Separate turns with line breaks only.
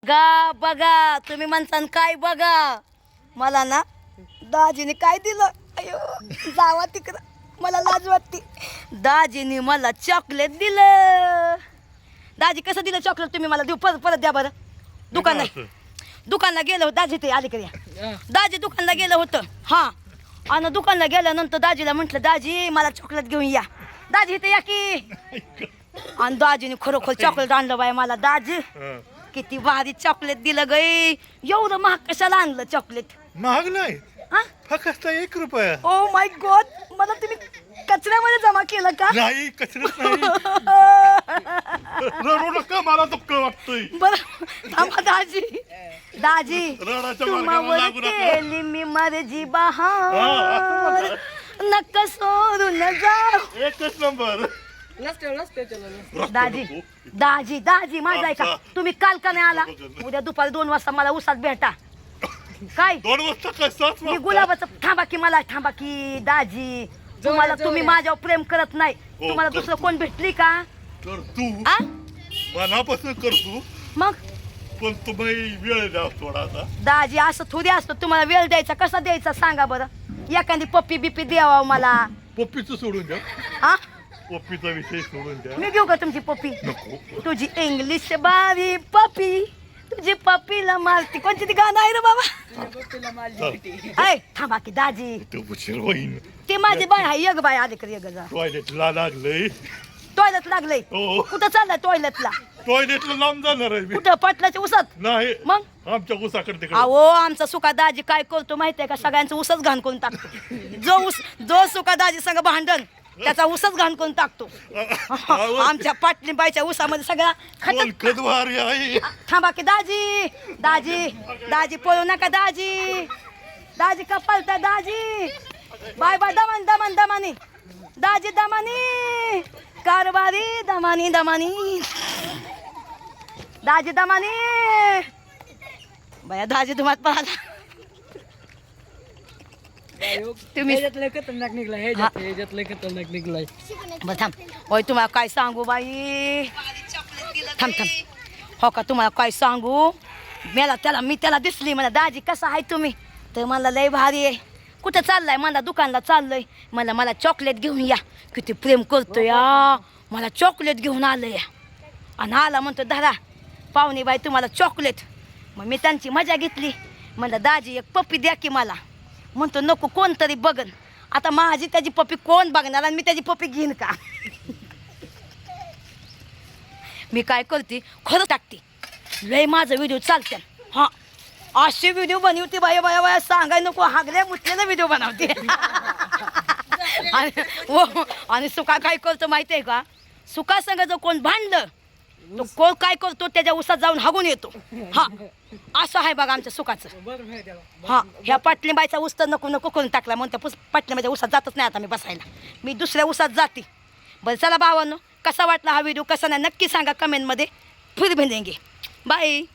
गा बघा तुम्ही म्हणसान काय बघा मला ना दाजीने काय दिलं अयो जावा तिकडं मला लाज वाटते दाजीने मला चॉकलेट दिलं दाजी कसं दिलं चॉकलेट तुम्ही मला देऊ परत परत द्या बरं दुकानला गेलं होतं दाजी ते अलीकडे दाजी दुकानला गेलं होतं हां आणि दुकानला गेल्यानंतर दाजीला म्हटलं दाजी मला चॉकलेट घेऊन या दाजी इथे या की आणि दाजीने खरोखर चॉकलेट आणलं बाय मला दाजी किती भारी चॉकलेट दिलं गई एवढं महाग कशाला आणलं चॉकलेट
महाग नाही फक्त 1 रुपया
ओ माय गॉड मला तुम्ही कचऱ्यामध्ये जमा केलं का
नाही कचरत नाही रडू नका मला दुःख वाटतंय
बरं थांबा दाजी दाजी
रडाच्या
तुम्हावर
मार्गावर लागू नका.
केली मी मर्जी बहार नका सोडून जाऊ
एकच नंबर
दाजी दाजी दाजी माझा ऐका तुम्ही काल का नाही आला उद्या दुपारी 2 वाजता मला उसात भेटा काय
2 वाजता काय 7
मी
वाजता
गुलाबाचं थांबा की दाजी तुम्हाला तुम्ही माझ्यावर प्रेम करत नाही तुम्हाला दुसरं कोण भेटली का
तर तू
आ
मनापासून करतो
मग
पण तुम्ही वेळ द्या थोडासा
दाजी असं थोडी असतं तुम्हाला वेळ द्यायचा कसा द्यायचा सांगा बरं एखादी पप्पी बिप्पी द्यावा मला
पप्पीचं सोडून द्या
हा
पप्पीचा विषय सोडून द्या
मी घेऊ का तुमची पप्पी
नको
तुझी इंग्लिश बारी पप्पी तुझी पप्पीला मारती कोणती ती गाणं आहे रे बाबा ऐ थांबा की दाजी
ते उशीर होईन
ते माझी बाय आहे एक बाय आले कर जा
टॉयलेटला लागलंय
टॉयलेट लागलंय
हो
कुठं चाललाय टॉयलेटला
टॉयलेटला लांब जाणार आहे मी
कुठं पाटलाच्या उसात
नाही
मग
आमच्या उसाकडे तिकडे
अहो आमचा सुका दाजी काय करतो माहितीये का सगळ्यांचं उसच घाण करून टाकतो जो सुका दाजी संग भांडण त्याचा उसच घाण करून टाकतो आमच्या पाटलीबाईच्या उसामध्ये सगळा
कदवारी आहे
थांबा की दाजी दाजी दाजी पळू नका दाजी दाजी का पळता दाजी बाय बाय दमान दमान दमानी दाजी दमानी कारभारी दमानी दमानी दाजी दमानी बाया दाजी तुम्हाला पाहता तुम्ही
खतरनाक निघलाय खतरनाक निघलाय
बरं थांब होय तुम्हाला काय सांगू बाई थांब हो का तुम्हाला काय सांगू मी त्याला दिसली मला दाजी कसा आहे तुम्ही तर मला लय भारी आहे कुठं चाललाय मला दुकानला चाललंय मला चॉकलेट घेऊन या किती प्रेम करतो या मला चॉकलेट घेऊन आलं या आणि आला म्हणतो धरा पाहुणे बाई तुम्हाला चॉकलेट मग मी त्यांची मजा घेतली म्हणलं दाजी एक पप्पी द्या की मला म्हणतो नको कोणतरी बघन आता माझी त्याची पप्पी कोण बघणार आणि मी त्याची पप्पी घेईन का मी काय करते खरं टाकते लय माझं व्हिडिओ चालते हां अशी व्हिडिओ बनवते बाया बाया बाया सांगाय नको हागल्या मुठलेला व्हिडिओ बनवते आणि सुका काय करतो माहिती आहे का सुका संग जर कोण भांडलं तो कोण काय करतो त्याच्या उसात जाऊन हागून येतो हा असं आहे बघा आमच्या सुखाचं हा ह्या पाटलीबाईचा ऊस तर नको नको करून टाकला म्हणून त्या पाटलीबाईच्या उसात जातच नाही आता मी बसायला मी दुसऱ्या उसात जाते बरं चला भावांनो कसा वाटला हा व्हिडिओ कसा नाही नक्की सांगा कमेंटमध्ये फिर भेटेंगे बाय